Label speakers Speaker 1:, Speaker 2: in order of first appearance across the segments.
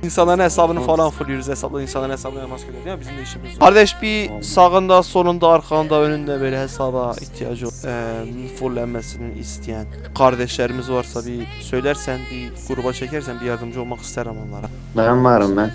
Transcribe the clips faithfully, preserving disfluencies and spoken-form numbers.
Speaker 1: İnsanların hesabını falan fulluyoruz. Hesapla insanların hesabını elmas geliyor değil mi? Bizim de işimiz var. Kardeş bir sağında, solunda, arkanda, önünde böyle hesaba ihtiyacı olan, e, fullenmesini isteyen kardeşlerimiz varsa bir söylersen, bir gruba çekersen bir yardımcı olmak isterim onlara.
Speaker 2: Ben varım ben.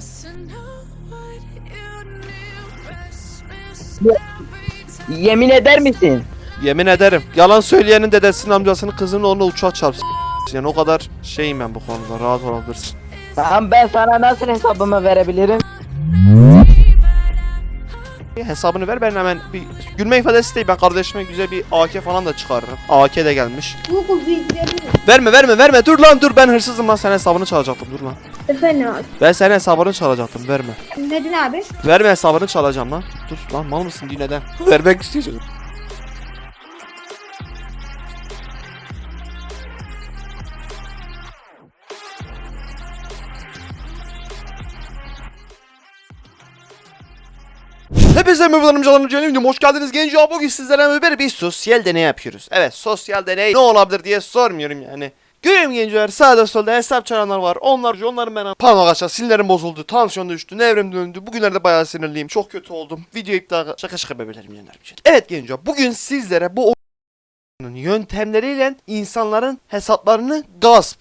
Speaker 3: Yemin eder misin?
Speaker 1: Yemin ederim. Yalan söyleyenin dedesinin amcasının kızını onunla uçağa çarpsın. Yani o kadar şeyim ben bu konuda. Rahat olabilirsin.
Speaker 3: Tamam, ben sana nasıl hesabımı verebilirim?
Speaker 1: Hesabını ver, ben hemen bir gülme ifadesi değil, ben kardeşime güzel bir A K falan da çıkarırım. A K de gelmiş.
Speaker 4: Google bilgileri.
Speaker 1: Verme verme verme, dur lan dur, ben hırsızım lan, senin hesabını çalacaktım, dur lan.
Speaker 4: Efendim abi.
Speaker 1: Ben senin hesabını çalacaktım, verme.
Speaker 4: Neden abi?
Speaker 1: Verme, hesabını çalacağım lan. Dur lan, mal mısın diye neden? Vermek isteyeceğim. Hepinize merhabalar canım canım, hoş geldiniz genco. Bugün sizlerle beraber bir sosyal deney yapıyoruz. Evet, sosyal deney ne olabilir diye sormuyorum yani. Görüyorum gençler, sağda solda hesap çalanlar var. Onlarca onların ben parmak aşağı, sinirlerim bozuldu, tansiyon düştü, nevrim döndü. Bugünlerde bayağı sinirliyim, çok kötü oldum. Video iptal, şaka şaka bebelerim yenerim. Evet genco, bugün sizlere bu oyunun yöntemleriyle insanların hesaplarını gasp,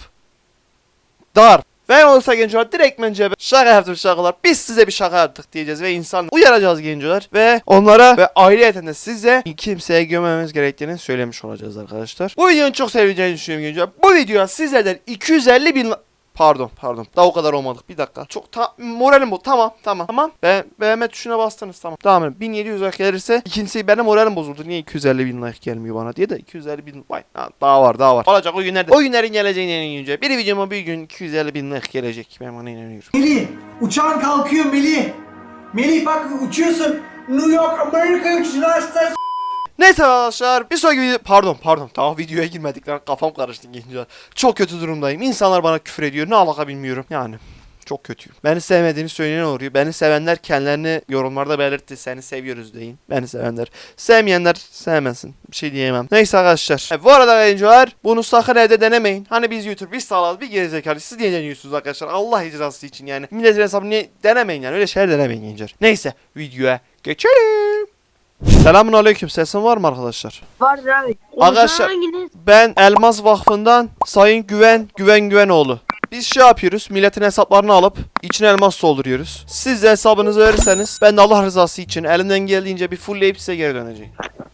Speaker 1: darp ve olursa gençler direkt bence şaka yaptım şakalar. Biz size bir şaka yaptık diyeceğiz ve insan uyaracağız gençler ve onlara ve ayrıyeten de size kimseye gömmememiz gerektiğini söylemiş olacağız arkadaşlar. Bu videonun çok seveceğini düşünüyorum gençler. Bu videoya sizlerden iki yüz elli bin Pardon pardon daha o kadar olmadık, bir dakika. Çok ta moralim bu, tamam tamam tamam. Be beğenme tuşuna bastınız, tamam. Tamam, bin yedi yüz like gelirse ikincisi benim moralim bozuldu. Niye iki yüz elli bin like gelmiyor bana diye de iki yüz elli bin, vay ha, daha var daha var. Olacak o günlerde. O günlerin geleceğine inanıyorum. Bir videoma bir gün iki yüz elli bin like gelecek, ben ona inanıyorum.
Speaker 5: Melih, uçağın kalkıyor Melih. Melih bak uçuyorsun. New York, Amerika uçuyorsun.
Speaker 1: Neyse arkadaşlar, bir sonraki video... Pardon pardon, tamam videoya girmedik lan, kafam karıştı gençler. Çok kötü durumdayım. İnsanlar bana küfür ediyor, ne alaka bilmiyorum. Yani çok kötüyüm. Beni sevmediğini söyleyen oluyor. Beni sevenler kendilerini yorumlarda belirtti. Seni seviyoruz deyin. Beni sevenler. Sevmeyenler sevmesin. Bir şey diyemem. Neyse arkadaşlar. Evet, bu arada gençler, bunu sakın evde denemeyin. Hani biz YouTube, biz sağlarız, bir gerizekalı. Siz niye deniyorsunuz arkadaşlar? Allah icrası için yani. Milletin hesabını niye denemeyin yani. Öyle şeyler denemeyin gençler. Neyse, videoya geçelim. Selamun aleyküm, sesin var mı arkadaşlar?
Speaker 3: Vardır abi.
Speaker 1: Arkadaşlar, ben Elmas Vakfı'ndan Sayın Güven Güven Güvenoğlu. Biz şey yapıyoruz, milletin hesaplarını alıp içine elmas dolduruyoruz. Siz de hesabınızı verirseniz ben de Allah rızası için elimden geldiğince bir fullleyip size geri döneceğim.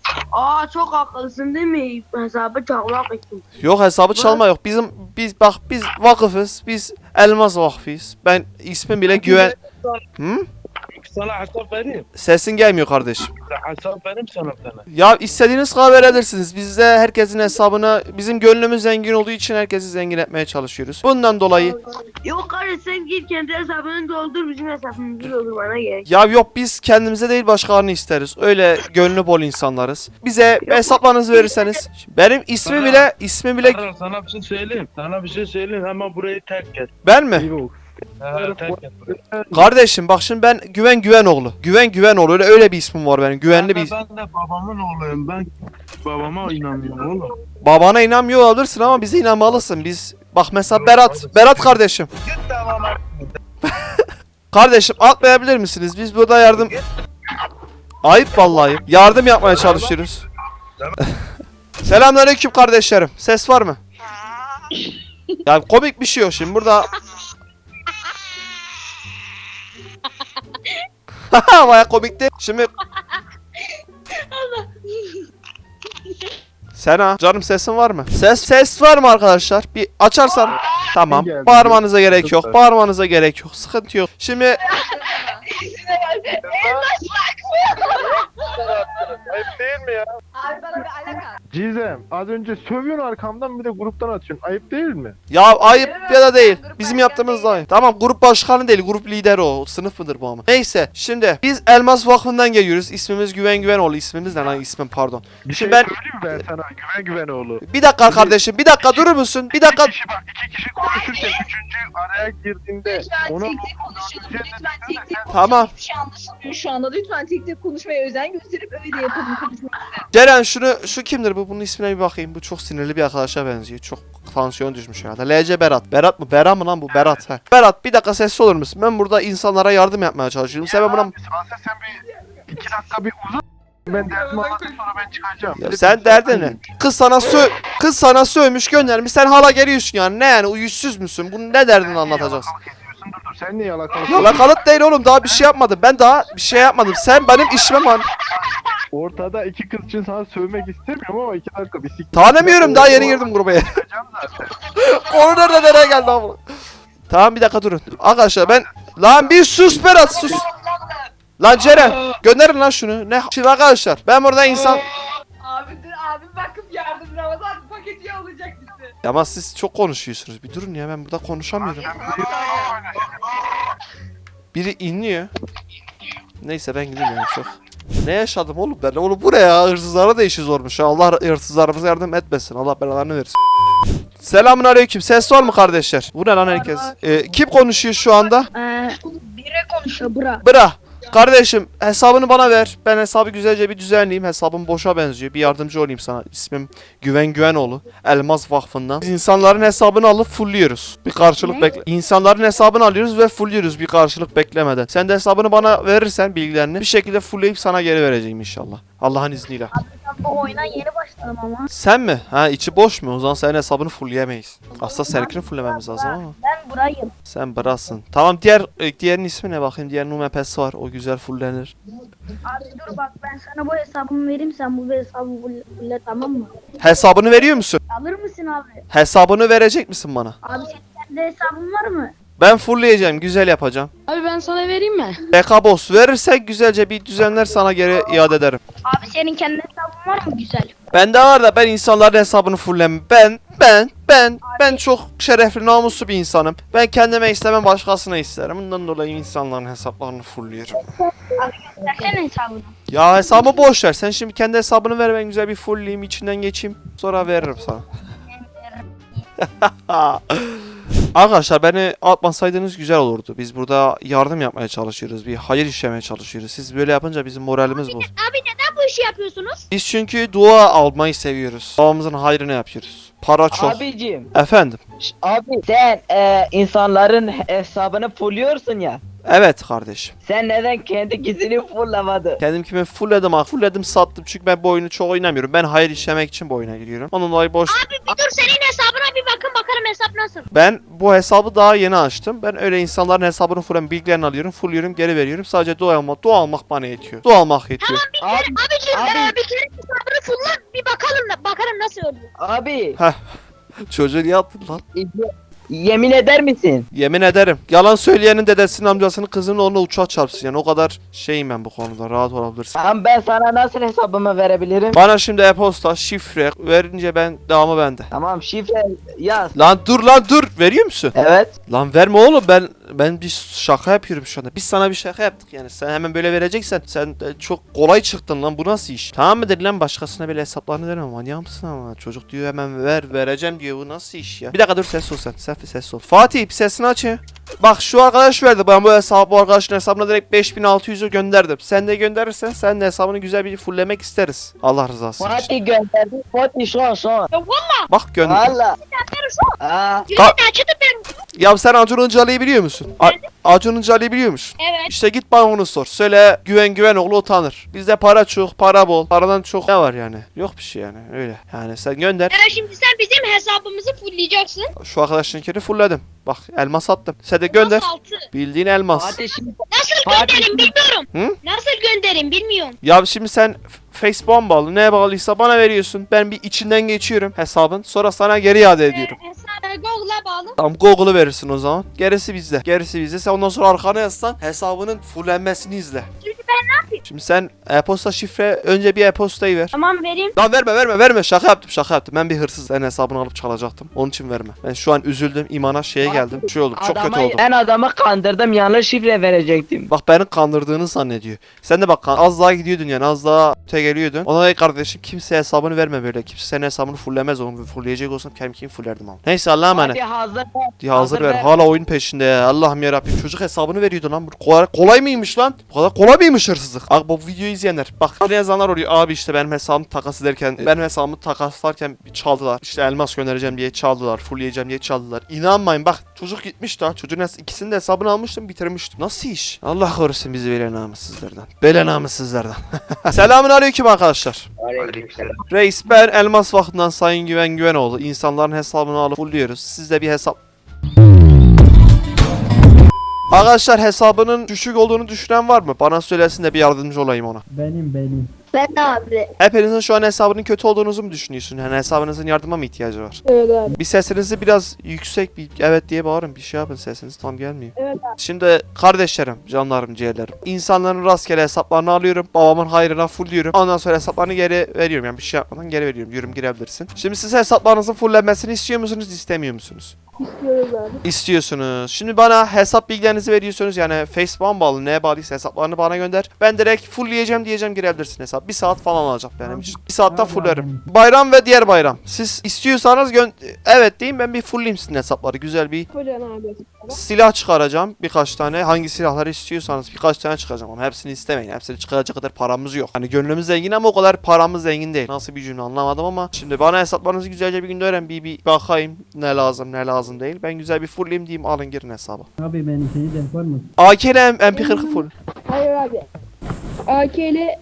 Speaker 6: Aa, çok haklısın değil mi? Hesabı çalmak için.
Speaker 1: Yok, hesabı çalma yok. Bizim biz bak biz vakıfız. Biz Elmas Vakfıyız. Ben ismim bile Güven. Hı?
Speaker 7: Sana hesap vereyim.
Speaker 1: Sesin gelmiyor kardeşim.
Speaker 7: Hesap vereyim sana bir tane.
Speaker 1: Ya istediğiniz kadar verebilirsiniz. Biz de herkesin hesabına, bizim gönlümüz zengin olduğu için herkesi zengin etmeye çalışıyoruz. Bundan dolayı
Speaker 6: Yok kardeş, sen git kendi hesabını doldur, bizim hesabımızı doldur, bana gerek.
Speaker 1: ya yok, biz kendimize değil başkalarını isteriz. Öyle gönlü bol insanlarız. Bize hesaplarınızı verirseniz, benim ismi bile ismi bile
Speaker 7: Sana, sana bir şey söyleyeyim. Sana bir şey söyleyeyim. Hemen burayı terk et.
Speaker 1: ben mi?
Speaker 7: He, terk et burayı.
Speaker 1: Kardeşim bak şimdi, ben Güven Güvenoğlu. Güven Güvenoğlu, öyle öyle bir ismim var benim. Güvenli
Speaker 7: Ben
Speaker 1: bir
Speaker 7: de, ben de babamın oğluyum. Ben babama inanmıyorum oğlum.
Speaker 1: Babana inanmıyor olabilirsin ama bize inanmalısın. Biz bak mesela Berat, Berat kardeşim.
Speaker 7: Git de bana.
Speaker 1: Kardeşim atmayabilir misiniz? Biz burada yardım... Ayıp vallahi ayıp. Yardım yapmaya çalışıyoruz. Selamünaleyküm kardeşlerim. Ses var mı? Ya komik bir şey yok şimdi burada. Baya komikti. Şimdi... Sena, canım sesin var mı? Ses ses var mı arkadaşlar? Bir açarsan. Tamam. Bağırmanıza gerek yok. Bağırmanıza gerek yok. Sıkıntı yok. Şimdi
Speaker 7: Ayıp değil mi ya?
Speaker 4: Abi bana bir alaka.
Speaker 8: Cizem, az önce sövüyorsun arkamdan, bir de gruptan atıyorsun. Ayıp değil mi?
Speaker 1: ya ayıp ya da değil. Bizim yaptığımız da ayıp. Tamam, grup başkanı değil, grup lideri o. Sınıf mıdır bu ama? Neyse, şimdi biz Elmas Vakfı'ndan geliyoruz. İsmimiz Güven Güvenoğlu. İsmimiz ne lan, ismim pardon.
Speaker 8: Bir
Speaker 1: Şimdi
Speaker 8: şey
Speaker 1: ben
Speaker 8: söyleyeyim mi ben sana? Güven Güvenoğlu.
Speaker 1: bir dakika kardeşim, bir dakika durur musun? Bir dakika.
Speaker 8: İki kişi bak, iki kişi konuşurken üçüncü araya girdiğinde
Speaker 9: Lütfen
Speaker 8: ona...
Speaker 9: tek tek konuşalım. Lütfen tek tek konuşalım.
Speaker 1: Tamam.
Speaker 9: Hiçbir şey anlaşılmıyor şu anda. Lütfen tek tek konuşmaya özen gösterip öyle yapalım konuşmayı.
Speaker 1: Ceren, şunu, şu kimdir bu? Bunun ismine bir bakayım. Bu çok sinirli bir arkadaşa benziyor. Çok tansiyon düşmüş herhalde. L C Berat. Berat mı? Berat mı lan bu? Berat. He. Berat bir dakika sessiz olur musun? Ben burada insanlara yardım yapmaya çalışıyorum. Sen ben buna...
Speaker 8: Asıl sen bir iki dakika bir uzun. Ben derdimi anlatayım sonra ben çıkacağım.
Speaker 1: Ya sen derdin ne? Kız sana sö kız sana sövmüş göndermiş. Sen hala geliyorsun yani. Ne yani? Yüzsüz müsün? Bunu ne derdini anlatacaksın?
Speaker 8: Yalakalık ediyorsun dur dur. Sen niye yalakalık?
Speaker 1: Yalakalık değil oğlum. Daha bir şey yapmadım. Ben daha bir şey yapmadım. Sen benim işime man...
Speaker 8: Ortada iki kız için sana sövmek istemiyorum ama iki dakika bir sik.
Speaker 1: Tanımıyorum. Daha yeni girdim gruba.
Speaker 8: Çıkacağım zaten.
Speaker 1: Konu nerede nereye geldi abi? Tamam bir dakika durun. Arkadaşlar ben... Lan bir sus Berat sus. Lan Ceren gönderin lan şunu. Ne? Şimdi arkadaşlar ben burada insan...
Speaker 9: Abi dur abi bakıp yardım Ramazan paketi alacak bizi.
Speaker 1: Ya ama siz çok konuşuyorsunuz. Bir durun ya ben burada konuşamıyorum. Biri inliyor. Neyse ben gideyim yani çok. Ne yaşadım oğlum ben? Oğlum bu ne ya? Hırsızlara da işi zormuş ya. Allah hırsızlarımıza yardım etmesin. Allah belalarını versin. Selamun aleyküm. Ses var mı kardeşler? Bu ne lan herkes? Ee, kim konuşuyor şu anda?
Speaker 4: Ee, bire konuşuyor bura.
Speaker 1: Bıra. Kardeşim hesabını bana ver. Ben hesabı güzelce bir düzenleyeyim. Hesabım boşa benziyor. Bir yardımcı olayım sana. İsmim Güven Güvenoğlu. Elmas Vakfı'ndan. Biz insanların hesabını alıp fullüyoruz. Bir karşılık
Speaker 4: Ne?
Speaker 1: bekle. İnsanların hesabını alıyoruz ve fullüyoruz bir karşılık beklemeden. Sen de hesabını bana verirsen bilgilerini bir şekilde fullleyip sana geri vereceğim inşallah. Allah'ın izniyle.
Speaker 4: Ben bu oyuna yeni başladım ama.
Speaker 1: Sen mi? Ha içi boş mu? O zaman senin hesabını fullleyemeyiz. Aslında seninkini fulllememiz lazım ama.
Speaker 4: Ben burayım.
Speaker 1: Sen Bras'ın. Tamam diğer e, diğerinin ismi ne bakayım? Diğer numepesi var. O güzel fulllenir.
Speaker 4: Abi dur bak ben sana bu hesabımı vereyim sen bu hesabı fulle tamam mı?
Speaker 1: Hesabını veriyor musun?
Speaker 4: Alır mısın abi?
Speaker 1: Hesabını verecek misin bana?
Speaker 4: Abi senin kendi hesabın var mı?
Speaker 1: Ben fullleyeceğim. Güzel yapacağım.
Speaker 2: Abi ben sana vereyim mi?
Speaker 1: B K boss verirsek güzelce bir düzenler sana geri iade ederim.
Speaker 4: Abi senin kendi hesabın var mı güzel?
Speaker 1: Bende var da ben insanların hesabını fulllem. Ben, ben, ben, ben çok şerefli, namuslu bir insanım. Ben kendime istemem başkasına isterim. Bundan dolayı insanların hesaplarını fullliyorum.
Speaker 4: Abi göstersene hesabını.
Speaker 1: Ya hesabı boş ver. Sen şimdi kendi hesabını ver ben güzel bir fullleyeyim içinden geçeyim. Sonra veririm sana. Arkadaşlar beni atmasaydınız güzel olurdu. Biz burada yardım yapmaya çalışıyoruz. Bir hayır işlemeye çalışıyoruz. Siz böyle yapınca bizim moralimiz bozulur.
Speaker 4: Abi neden bu işi yapıyorsunuz?
Speaker 1: Biz çünkü dua almayı seviyoruz. Duamızın hayrını yapıyoruz. Para çok.
Speaker 3: Abicim,
Speaker 1: Efendim.
Speaker 3: abi sen e, insanların hesabını fulluyorsun ya.
Speaker 1: Evet kardeşim.
Speaker 3: Sen neden kendi gizini fullamadın?
Speaker 1: Kendim kimi fullledim ha. Fullledim sattım çünkü ben bu oyunu çok oynamıyorum. Ben hayır işlemek için bu oyuna giriyorum. Onun dolayı boş.
Speaker 4: Abi bir dur senin hesabına bir bakın bakalım hesap nasıl?
Speaker 1: Ben bu hesabı daha yeni açtım. Ben öyle insanların hesabını fullen bilgilerini alıyorum. Fullüyorum geri veriyorum. Sadece dua almak. Dua almak bana yetiyor. Dua almak yetiyor.
Speaker 3: Abi,
Speaker 4: Abicim
Speaker 3: Abi.
Speaker 4: e, bir kere hesabını fulla bir bakalım bakalım nasıl oluyor.
Speaker 3: abi
Speaker 1: Çocuğu niye attın lan?
Speaker 3: yemin eder misin?
Speaker 1: Yemin ederim. Yalan söyleyenin dedesinin amcasının kızının onunla uçağa çarpsın. Yani o kadar şeyim ben bu konuda. Rahat olabilirsin.
Speaker 3: Tamam ben sana nasıl hesabımı verebilirim?
Speaker 1: Bana şimdi e-posta, şifre verince ben devamı bende.
Speaker 3: Tamam şifre yaz.
Speaker 1: Lan dur lan dur. Veriyor musun?
Speaker 3: Evet.
Speaker 1: Lan verme oğlum ben ben bir şaka yapıyorum şu anda. Biz sana bir şaka yaptık yani. Sen hemen böyle vereceksen sen de çok kolay çıktın lan. Bu nasıl iş? Tamam mıdır lan başkasına böyle hesaplarını verme. Manyak mısın ama? Çocuk diyor hemen ver vereceğim diyor. Bu nasıl iş ya? Bir dakika dur ses ol sen. Sefi ses ol. Fatih bir sesini aç ya. Bak şu arkadaş verdi. Ben bu hesabı bu arkadaşın hesabına direkt beş bin altı yüz'ü gönderdim. Sen de gönderirsen sen de hesabını güzel bir fulllemek isteriz. Allah rızası için.
Speaker 3: Fatih gönderdi. Fatih şu an şu an.
Speaker 1: Bak gönder.
Speaker 3: Valla. Aa,
Speaker 1: Ka-
Speaker 4: Açıdı ben.
Speaker 1: ya sen Acun Ilıcalı'yı biliyor musun? A- Acun Ilıcalı'yı biliyor musun?
Speaker 4: Evet.
Speaker 1: İşte git bana onu sor. Söyle Güven Güvenoğlu utanır. Bizde para çok, para bol. Paradan çok ne var yani? Yok bir şey yani öyle. Yani sen gönder.
Speaker 4: Ya şimdi sen bizim hesabımızı fullleyeceksin.
Speaker 1: Şu arkadaşınkini fullledim. Bak elmas attım. Sen de gönder.
Speaker 4: Nasıl altı?
Speaker 1: Bildiğin elmas.
Speaker 3: Fatih şimdi
Speaker 4: Nasıl
Speaker 3: Fatih-
Speaker 4: gönderim bilmiyorum.
Speaker 1: Hı?
Speaker 4: Nasıl gönderim bilmiyorum.
Speaker 1: Ya şimdi sen F- Facebook'a bağlı. Neye bağlıysa bana veriyorsun. Ben bir içinden geçiyorum hesabın. Sonra sana geri iade ediyorum.
Speaker 4: Hesabı Google'a bağlı.
Speaker 1: Tamam Google'ı verirsin o zaman. Gerisi bizde. Gerisi bizde. Sen ondan sonra arkana yazsan hesabının fullenmesini izle.
Speaker 4: Şimdi ben ne yapayım?
Speaker 1: Şimdi sen e-posta şifre önce bir e-postayı ver.
Speaker 4: Tamam vereyim.
Speaker 1: Lan verme verme verme şaka yaptım şaka yaptım. Ben bir hırsız senin hesabını alıp çalacaktım. Onun için verme. Ben şu an üzüldüm imana şeye geldim. Şey oldum çok kötü
Speaker 3: adamı,
Speaker 1: oldum.
Speaker 3: ben adamı kandırdım yanlış şifre verecektim.
Speaker 1: Bak beni kandırdığını zannediyor. Sen de bak az daha gidiyordun yani az daha öte geliyordun. Ona da kardeşim kimse hesabını verme böyle. Kimse senin hesabını fullemez onu. Fullleyecek olsam kendim kim fullerdim ama. Neyse Allah'a emanet.
Speaker 3: Hadi hazır.
Speaker 1: Ya hazır ver. Hala oyun peşinde ya. Allah'ım yarabbim çocuk hesabını veriyordu lan. Bu kolay, kolay mıymış lan? Bu kadar kolay mıymış hırsızlık. Abi bu videoyu izleyenler bak ne yazanlar oluyor. Abi işte benim hesabımı takas ederken benim hesabımı takaslarken çaldılar. İşte elmas göndereceğim diye çaldılar. Fullleyeceğim diye çaldılar. İnanmayın bak çocuk gitmiş daha. Çocuğun ikisinin de hesabını almıştım bitirmiştim. Nasıl iş? Allah korusun bizi böyle namussuzlardan. Böyle namussuzlardan. Selamun aleyküm arkadaşlar. Reis ben Elmas Vakfı'ndan Sayın Güven Güvenoğlu. İnsanların hesabını alıp fulluyoruz. Siz de bir hesap... Arkadaşlar hesabının düşük olduğunu düşünen var mı? Bana söylesin de bir yardımcı olayım ona.
Speaker 8: Benim benim.
Speaker 4: Ben de abi.
Speaker 1: Hepinizin şu an hesabının kötü olduğunuzu mu düşünüyorsun? Yani hesabınızın yardıma mı ihtiyacı var?
Speaker 4: Evet abi.
Speaker 1: Bir sesinizi biraz yüksek bir evet diye bağırın. Bir şey yapın sesiniz tam gelmiyor.
Speaker 4: Evet abi.
Speaker 1: Şimdi kardeşlerim, canlarım, ciğerlerim. İnsanların rastgele hesaplarını alıyorum. Babamın hayrına fullliyorum. Ondan sonra hesaplarını geri veriyorum. Yani bir şey yapmadan geri veriyorum. Yorum girebilirsin. Şimdi siz hesaplarınızın fulllenmesini istiyor musunuz, istemiyor musunuz?
Speaker 4: İstiyoruz abi.
Speaker 1: İstiyorsunuz. Şimdi bana hesap bilgilerinizi veriyorsunuz. Yani Facebook'a bağlı, neye bağlıysa hesaplarını bana gönder. Ben direkt fullleyeceğim diyeceğim, girebilirsin hesap. Bir saat falan alacak benim için. Bir saatte fulllerim. Bayram ve diğer bayram. Siz istiyorsanız gö- evet deyin, ben bir fullleyeyim sizin hesapları. Güzel bir
Speaker 4: Kocan abi.
Speaker 1: silah çıkaracağım. Birkaç tane. Hangi silahları istiyorsanız birkaç tane çıkaracağım. Ama hepsini istemeyin. Hepsini çıkaracak kadar paramız yok. Hani gönlümüz zengin ama o kadar paramız zengin değil. Nasıl bir cümle anlamadım ama. Şimdi bana hesaplarınızı güzelce bir günde öğren. Bir, bir bakayım ne lazım ne lazım değil. Ben güzel bir fullleyeyim diyeyim, alın girin hesaba.
Speaker 8: Abi benimkini de yapar mısın?
Speaker 1: A K ile M P kırk full.
Speaker 4: Hayır abi. A K ile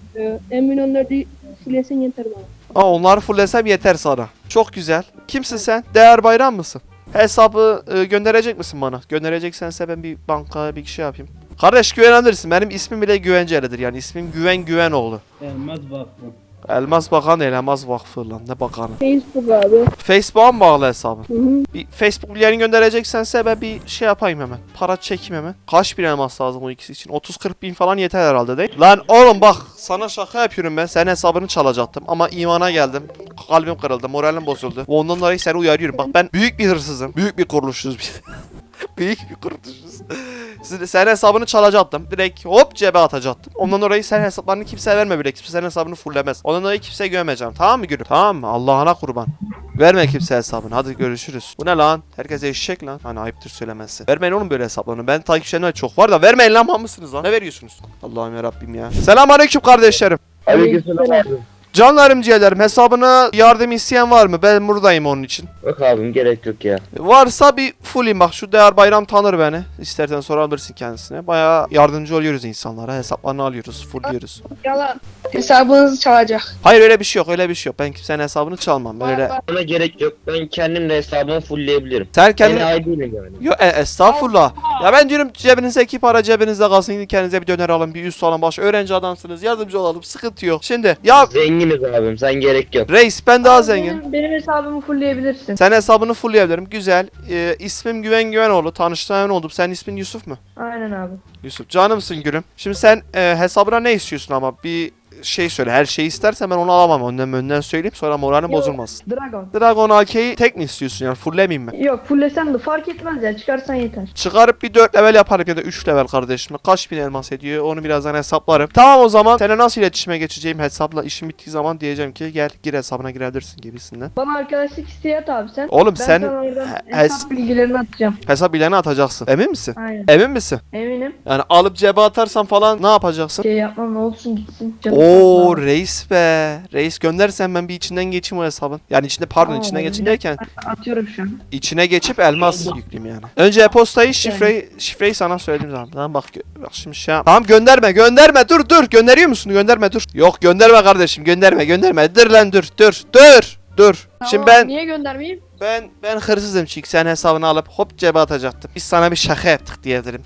Speaker 4: Emin onları silesin yeter bana.
Speaker 1: Aa, onları fulllesem yeter sana. Çok güzel. Kimsin sen? Değer Bayram mısın? Hesabı e, gönderecek misin bana? Göndereceksense ben bir bankaya bir şey yapayım. Kardeş güvenebilirsin. Benim ismim bile güvencelidir. Yani ismim Güven Güvenoğlu.
Speaker 8: Elmaz Vakfı.
Speaker 1: Elmas Bakan değil, Elmas Vakfı lan. Ne bakanı?
Speaker 4: Facebook abi.
Speaker 1: Facebook'a mı bağlı hesabın?
Speaker 4: Hı hı.
Speaker 1: Bir Facebook bilgilerini göndereceksense ben bir şey yapayım hemen. Para çekeyim hemen. Kaç bin elmas lazım o ikisi için? otuz kırk bin falan yeter herhalde değil. Lan oğlum bak sana şaka yapıyorum ben. Senin hesabını çalacaktım ama imana geldim. Kalbim kırıldı, moralim bozuldu. Ondan dolayı seni uyarıyorum. Bak ben büyük bir hırsızım. Büyük bir kuruluşuz biz. Büyük bir kuruluşuz. Siz- Senin hesabını çalacaktım. Direkt hop cebe atacaktım. Ondan dolayı sen hesaplarını kimseye verme bile. Kimse senin hesabını fullemez. Ondan dolayı kimseye güvenmeyeceğim. Tamam mı gülüm? Tamam mı? Allah'ına kurban. Verme kimse hesabını. Hadi görüşürüz. Bu ne lan? Herkese eşek lan. Hani ayıptır söylemesi. Vermeyin oğlum böyle hesaplarını. Ben takipçilerimde çok var da vermeyin lan, mal mısınız lan? Ne veriyorsunuz? Allah'ım yarabbim ya. Selamünaleyküm kardeşlerim.
Speaker 3: Aleykümselam abi.
Speaker 1: Canlarım ciğerlerim, hesabına yardım isteyen var mı? Ben buradayım onun için.
Speaker 3: Yok abim gerek yok ya.
Speaker 1: Varsa bir fullim, bak şu Değer Bayram tanır beni. İstersen sorabilirsin kendisine. Bayağı yardımcı oluyoruz insanlara. Hesaplarını alıyoruz, fullliyoruz.
Speaker 6: Yalan. Hesabınızı çalacak.
Speaker 1: Hayır öyle bir şey yok, öyle bir şey yok. Ben kimsenin hesabını çalmam. Öyle.
Speaker 3: Bana gerek yok. Ben kendim de hesabımı fullleyebilirim.
Speaker 1: Sen
Speaker 3: Ben
Speaker 1: kendin...
Speaker 3: ait değilim yani.
Speaker 1: Yo e, estağfurullah. Ya ben diyorum cebinizdeki para cebinizde kalsın. Gidin kendinize bir döner alın, bir üst alın, baş. Öğrenci adamsınız, yardımcı olalım. Sıkıntı yok. Şimdi ya
Speaker 3: Zenginiz abim, sen gerek yok.
Speaker 1: reis ben daha zengin.
Speaker 9: Benim, benim hesabımı fullleyebilirsin.
Speaker 1: Sen hesabını fullleyebilirim. Güzel. Ee, ismim Güven Güvenoğlu. Tanıştığım oldum. Senin ismin Yusuf mu?
Speaker 9: Aynen abi.
Speaker 1: Yusuf. Canımsın gülüm. Şimdi sen e, hesabına ne istiyorsun ama bir şey söyle. Her şeyi istersen ben onu alamam. Önden önden söyleyeyim, sonra moralin
Speaker 9: Yok.
Speaker 1: bozulmasın.
Speaker 9: Dragon.
Speaker 1: Dragon A K'yi tek mi istiyorsun yani? Fulllemeyeyim mi?
Speaker 9: Yok fullesen de fark etmez ya, çıkarsan yeter.
Speaker 1: Çıkarıp bir dört level yaparım ya da üç level kardeşim. Kaç bin elmas ediyor onu birazdan hesaplarım. Tamam o zaman seninle nasıl iletişime geçeceğim hesapla, işim bittiği zaman diyeceğim ki gel gir hesabına girebilirsin gibisinden.
Speaker 9: Bana arkadaşlık isteği at abi sen.
Speaker 1: Oğlum
Speaker 9: Ben
Speaker 1: sen
Speaker 9: sana oradan
Speaker 1: he-
Speaker 9: hesap bilgilerini atacağım.
Speaker 1: hesap bilgilerini atacaksın. Emin misin?
Speaker 9: Aynen.
Speaker 1: Emin misin?
Speaker 9: Eminim.
Speaker 1: Yani alıp cebe atarsan falan ne yapacaksın?
Speaker 9: Şey yapmam, ne olsun gitsin. Canım
Speaker 1: Oo
Speaker 9: sağ ol.
Speaker 1: reis be. Reis göndersen ben bir içinden geçeyim o hesabın. Yani içinde pardon
Speaker 9: Aa,
Speaker 1: içinden
Speaker 9: bir
Speaker 1: geçeyim
Speaker 9: dakika.
Speaker 1: derken
Speaker 9: Atıyorum şu an.
Speaker 1: içine geçip elmas yükleyeyim yani. Önce e-postayı şifreyi şifreyi sana söyledim zaten. Tamam bak gö- bak şimdi şey yap. Tamam gönderme gönderme dur dur gönderiyor musun? Gönderme dur. Yok gönderme kardeşim gönderme gönderme. Dur lan dur dur dur. Dur. Şimdi ben
Speaker 6: Niye göndermeyeyim?
Speaker 1: ben ben hırsızım çünkü sen hesabını alıp hop cebe atacaktım. Biz sana bir şaka yaptık diyebilirim.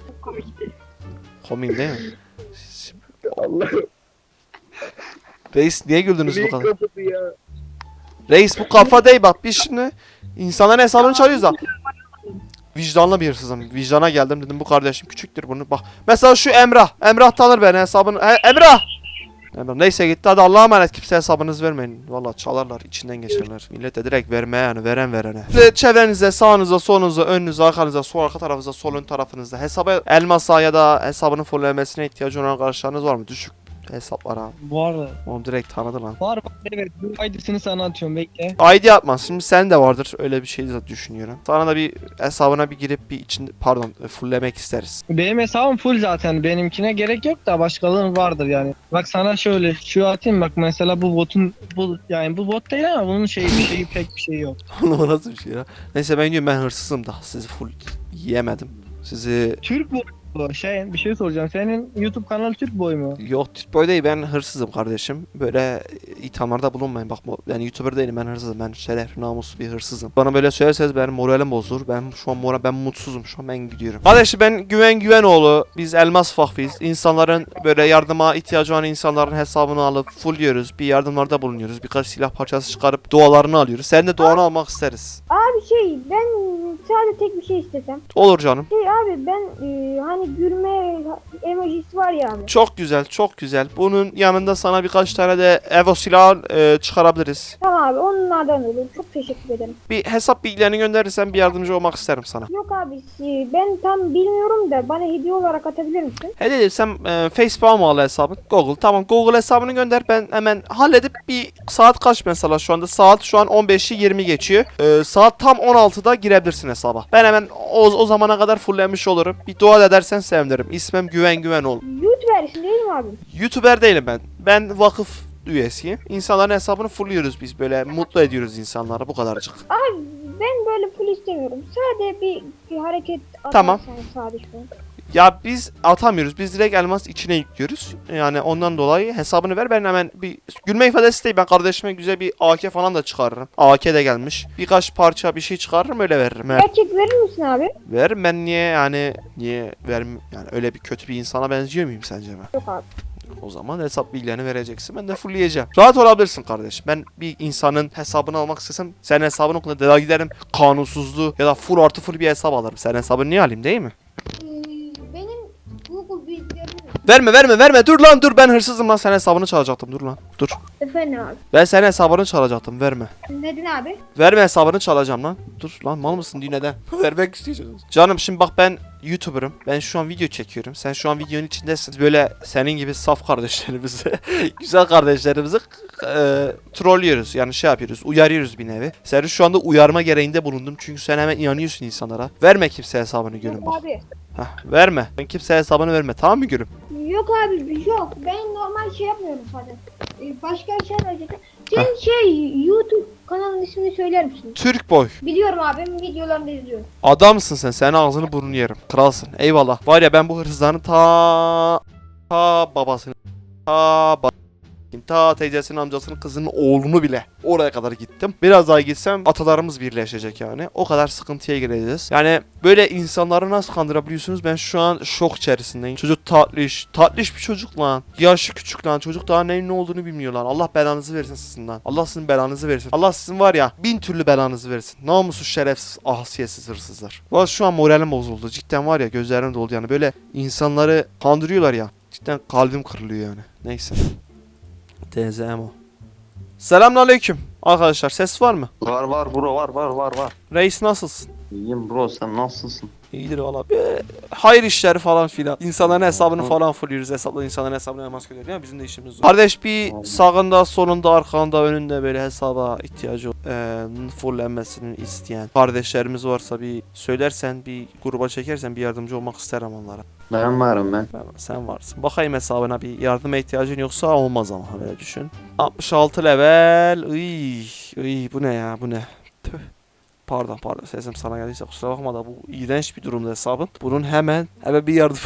Speaker 1: Komik değil mi?
Speaker 3: Allah'ım.
Speaker 1: Reis niye güldünüz bu kadar?
Speaker 3: kapısı ya.
Speaker 1: Reis bu kafa değil bak, biz şimdi insanların hesabını çalıyoruz da. Vicdanlı bir hırsızım. Vicdana geldim dedim bu kardeşim küçüktür bunu bak. Mesela şu Emrah. Emrah tanır beni hesabını. He, Emrah! Emrah neyse gitti, hadi Allah'a emanet, kimseye hesabınızı vermeyin. Valla çalarlar, içinden geçerler. Millete direkt verme yani, veren verene. Ve çevrenizde sağınıza solunuza önünüze arkanıza sol arka tarafınıza sol ön tarafınızda hesaba elmasa ya da hesabının fullemesine ihtiyacı olan arkadaşlarınız var mı? Düşük hesaplara.
Speaker 2: Var.
Speaker 1: Onu direkt tanıdı lan.
Speaker 2: Var bak, evet. Bu I D'sini sana atıyorum, bekle.
Speaker 1: I D atmaz. Şimdi sen de vardır. Öyle bir şey de düşünüyorum. Sana da bir hesabına bir girip bir için pardon fulllemek isteriz.
Speaker 2: Benim hesabım full zaten. Benimkine gerek yok da başkalarının vardır yani. Bak sana şöyle şu atayım, bak mesela bu botun bu yani bu bot değil ama bunun şeyi bir şeyi pek bir şey yok.
Speaker 1: Oğlum o nasıl bir şey ya? Neyse ben diyorum ben hırsızım da. Sizi full yiyemedim. Sizi
Speaker 2: Türk boy bu. Şey bir şey soracağım. Senin YouTube kanalı Türk boy mu?
Speaker 1: yok Türk değil, ben hırsızım kardeşim. Böyle ithamlarda bulunmayın. Bak ben YouTuber değilim, ben hırsızım. Ben şerefli namuslu bir hırsızım. Bana böyle söylerseniz benim moralim bozulur. Ben şu an moral ben mutsuzum. Şu an ben gidiyorum. Kardeşim ben Güven Güvenoğlu. Biz Elmas Fakfiyiz. İnsanların böyle yardıma ihtiyacı olan insanların hesabını alıp fullliyoruz. Bir yardımlarda bulunuyoruz. Birkaç silah parçası çıkarıp dualarını alıyoruz. Sen de duanı almak isteriz.
Speaker 10: Abi şey ben sadece tek bir şey istesem.
Speaker 1: Olur canım.
Speaker 10: Şey abi ben e, hani gülme emojisi var ya abi.
Speaker 1: Çok güzel, çok güzel. Bunun yanında sana birkaç tane de Evo silahı e, çıkarabiliriz.
Speaker 10: Tamam abi onlardan olur. Çok teşekkür ederim.
Speaker 1: Bir hesap bilgilerini gönderirsen bir yardımcı olmak isterim sana.
Speaker 10: Yok abi e, ben tam bilmiyorum da bana hediye olarak atabilir misin?
Speaker 1: He dedim sen e, Facebook'a mı al hesabın? Google. Tamam Google hesabını gönder, ben hemen halledip bir saat kaç mesela şu anda? Saat şu an on beşi yirmi geçiyor. E, saat tam on altıda girebilirsin hesaba. Ben hemen o, o zamana kadar fulllenmiş olurum. Bir dua edersen sevinirim. İsmim Güven Güvenoğlu.
Speaker 10: YouTuber'sin değil mi abi?
Speaker 1: YouTuber değilim ben. Ben vakıf üyesiyim. İnsanların hesabını fullliyoruz biz, böyle mutlu ediyoruz insanları, bu kadarcık.
Speaker 10: Abi ben böyle full istemiyorum. Sadece bir, bir hareket atarsan
Speaker 1: Tamam.
Speaker 10: sadece.
Speaker 1: Ya biz atamıyoruz. Biz direkt elmas içine yüklüyoruz. Yani ondan dolayı hesabını ver, ben hemen bir gülme ifadesi değil. Ben kardeşime güzel bir A K falan da çıkarırım. A K de gelmiş. Birkaç parça bir şey çıkarırım, öyle veririm. Evet.
Speaker 10: Gerçek verir misin abi?
Speaker 1: Veririm ben, niye yani niye verim yani, öyle bir kötü bir insana benziyor muyum sence ben?
Speaker 10: Yok abi.
Speaker 1: O zaman hesap bilgilerini vereceksin. Ben de fullleyeceğim. Rahat olabilirsin kardeşim. Ben bir insanın hesabını almak istesem senin hesabını okula daha giderim. Kanunsuzluğu ya da full artı full bir hesap alırım. Senin hesabını niye alayım, değil mi?
Speaker 10: Benim Google bilgilerim.
Speaker 1: Verme verme verme. Dur lan dur. Ben hırsızım lan. Senin hesabını çalacaktım. Dur lan. Dur.
Speaker 10: Efendim abi.
Speaker 1: Ben senin hesabını çalacaktım. Verme.
Speaker 10: Neden abi?
Speaker 1: Verme, hesabını çalacağım lan. Dur lan, mal mısın diye neden? Vermek istiyorsunuz. Canım şimdi bak, ben YouTuber'ım. Ben şu an video çekiyorum. Sen şu an videonun içindesin. Böyle senin gibi saf kardeşlerimizi, güzel kardeşlerimizi e, trollüyoruz. Yani şey yapıyoruz. Uyarıyoruz bir nevi. Seni şu anda uyarma gereğinde bulundum. Çünkü sen hemen inanıyorsun insanlara. Verme kimse hesabını gülüm
Speaker 10: Yok
Speaker 1: bak.
Speaker 10: abi.
Speaker 1: Hah, verme. Ben kimse hesabını verme. Tamam mı gülüm?
Speaker 10: Yok abi yok. Ben normal şey yapmıyorum zaten. Ee, Başka bir şey verecektim. Senin şey YouTube kanalının ismini söyler misin?
Speaker 1: Türk boy.
Speaker 10: Biliyorum abi, videolarını da izliyorum.
Speaker 1: Adamsın sen. Senin ağzını burnunu yerim. Kralsın. Eyvallah. Var ya, ben bu hırsızların ta ta babasını ta ba- ta teyzesinin, amcasının, kızının oğlunu bile oraya kadar gittim. Biraz daha gitsem atalarımız birleşecek yani. O kadar sıkıntıya gireceğiz. Yani böyle insanları nasıl kandırabiliyorsunuz? Ben şu an şok içerisindeyim. Çocuk tatlış. Tatlış bir çocuk lan. Yaşı küçük lan. Çocuk daha neyin ne olduğunu bilmiyor lan. Allah belanızı versin sizin lan. Allah sizin belanızı versin. Allah sizin var ya bin türlü belanızı versin. Namussuz, şerefsiz, ahsiyetsiz hırsızlar. Valla şu an moralim bozuldu. Cidden var ya, gözlerim doldu yani. Böyle insanları kandırıyorlar ya. Cidden kalbim kırılıyor yani. Neyse. D Z M O. Selamünaleyküm. Arkadaşlar ses var mı?
Speaker 11: Var var bro, var var var var.
Speaker 1: Reis nasılsın?
Speaker 11: İyiyim bro, sen nasılsın?
Speaker 1: İyidir valla. Ee, hayır işleri falan filan. İnsanların hesabını falan fulluyoruz. Hesapla insanların hesabına namaz kılıyoruz. Ya bizim de işimiz var. Kardeş bir sağında, solunda, arkanda, önünde böyle hesaba ihtiyacı e, fullenmesini isteyen kardeşlerimiz varsa bir söylersen, bir gruba çekersen bir yardımcı olmak isterim onlara.
Speaker 11: Ben varım ben.
Speaker 1: Ben, sen varsın. Bakayım hesabına, bir yardıma ihtiyacın yoksa olmaz ama böyle düşün. altmış altı level. Iy, iy, bu ne ya, bu ne? Tüh. Pardon pardon, sesim sana geldiyse kusura bakma da bu iğrenç bir durumda hesabın. Bunun hemen hemen bir yardım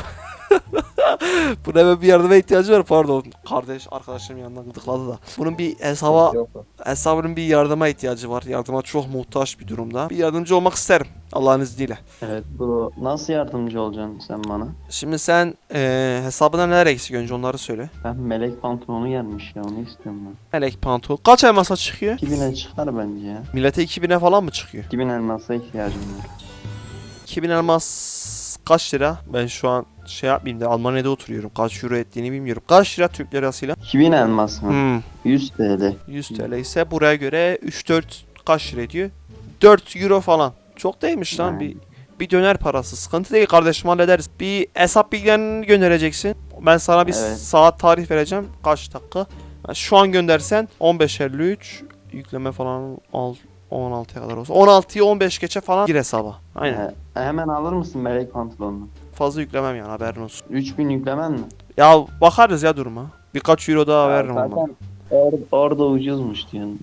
Speaker 1: Bunun hemen bir yardıma ihtiyacı var, pardon. Kardeş arkadaşım yanından gıdıkladı da. Bunun bir hesaba hesabının bir yardıma ihtiyacı var. Yardıma çok muhtaç bir durumda. Bir yardımcı olmak isterim Allah'ın izniyle.
Speaker 11: Evet bro, nasıl yardımcı olacaksın sen bana?
Speaker 1: Şimdi sen e, hesabına neler eksik, önce onları söyle.
Speaker 11: Ben melek pantolonu gelmiş ya, onu istiyorum ben.
Speaker 1: Melek pantol. Kaç elmasa çıkıyor?
Speaker 11: iki bine çıkar bence ya.
Speaker 1: Millete iki bine falan mı çıkıyor?
Speaker 11: iki bin elmasa ihtiyacım var.
Speaker 1: iki bin elmas kaç lira? Ben şu an şey yapmayayım da Almanya'da oturuyorum. Kaç euro ettiğini bilmiyorum. Kaç lira Türk lirasıyla?
Speaker 11: iki bin elmas mı?
Speaker 1: Hmm.
Speaker 11: yüz TL.
Speaker 1: yüz TL ise buraya göre üç dört kaç lira ediyor? dört euro falan. Çok değilmiş lan.
Speaker 11: Yani.
Speaker 1: Bir Bir döner parası. Sıkıntı değil kardeşim, hallederiz. Bir hesap bilgilerini göndereceksin. Ben sana bir
Speaker 11: Evet.
Speaker 1: saat tarih vereceğim. Kaç dakika? Yani şu an göndersen on beş elli üç yükleme falan al on altıya kadar olsun. on altıyı on beş geçe falan gir hesaba. Aynen.
Speaker 11: Ee, hemen alır mısın melek pantolonunu?
Speaker 1: Fazla yüklemem yani, haberin olsun.
Speaker 11: üç bin yüklemen mi?
Speaker 1: Ya bakarız ya duruma. Birkaç euro daha veririm
Speaker 11: Zaten
Speaker 1: ama.
Speaker 11: Or orada ucuzmuş diyorsun.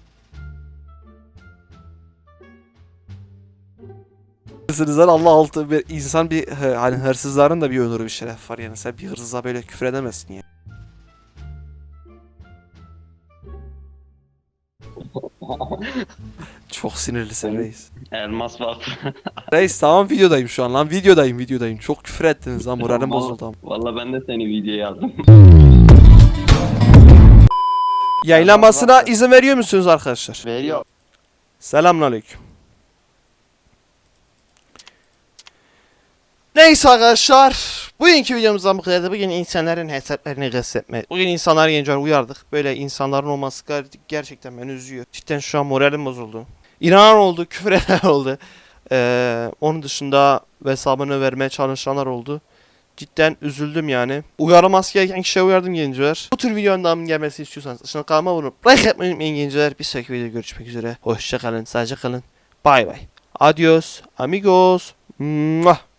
Speaker 1: Hırsızlar Allah altı bir insan, bir he, hani hırsızların da bir onuru, bir şeref var yani. Sen bir hırsıza böyle küfür edemezsin ya. Çok sinirlisin reis.
Speaker 11: Elmas var.
Speaker 1: Reis tamam, videodayım şu an lan, videodayım videodayım. Çok küfür ettiniz lan, moralim bozuldu ama.
Speaker 11: Valla ben de seni videoya aldım.
Speaker 1: Yayınlanmasına izin veriyor musunuz arkadaşlar?
Speaker 11: Veriyor.
Speaker 1: Selamünaleyküm. Neyse arkadaşlar, bugünkü videomuzdan bu kadar. Bugün insanların hesaplarını gassetme. Bugün insanları gençler uyardık. Böyle insanların olması ger- gerçekten beni üzüyor. Cidden şu an moralim bozuldu. İnanan oldu, küfür eden oldu. Ee, onun dışında hesabını vermeye çalışanlar oldu. Cidden üzüldüm yani. Uyarılması gereken kişiye uyardım gençler. Bu tür videonun devamının gelmesi istiyorsanız aşağıdan kanalıma abone olup like yapmayı unutmayın gençler. Bir sonraki videoda görüşmek üzere. Hoşça kalın, sadece kalın. Bay bay. Adios, amigos. Mwah.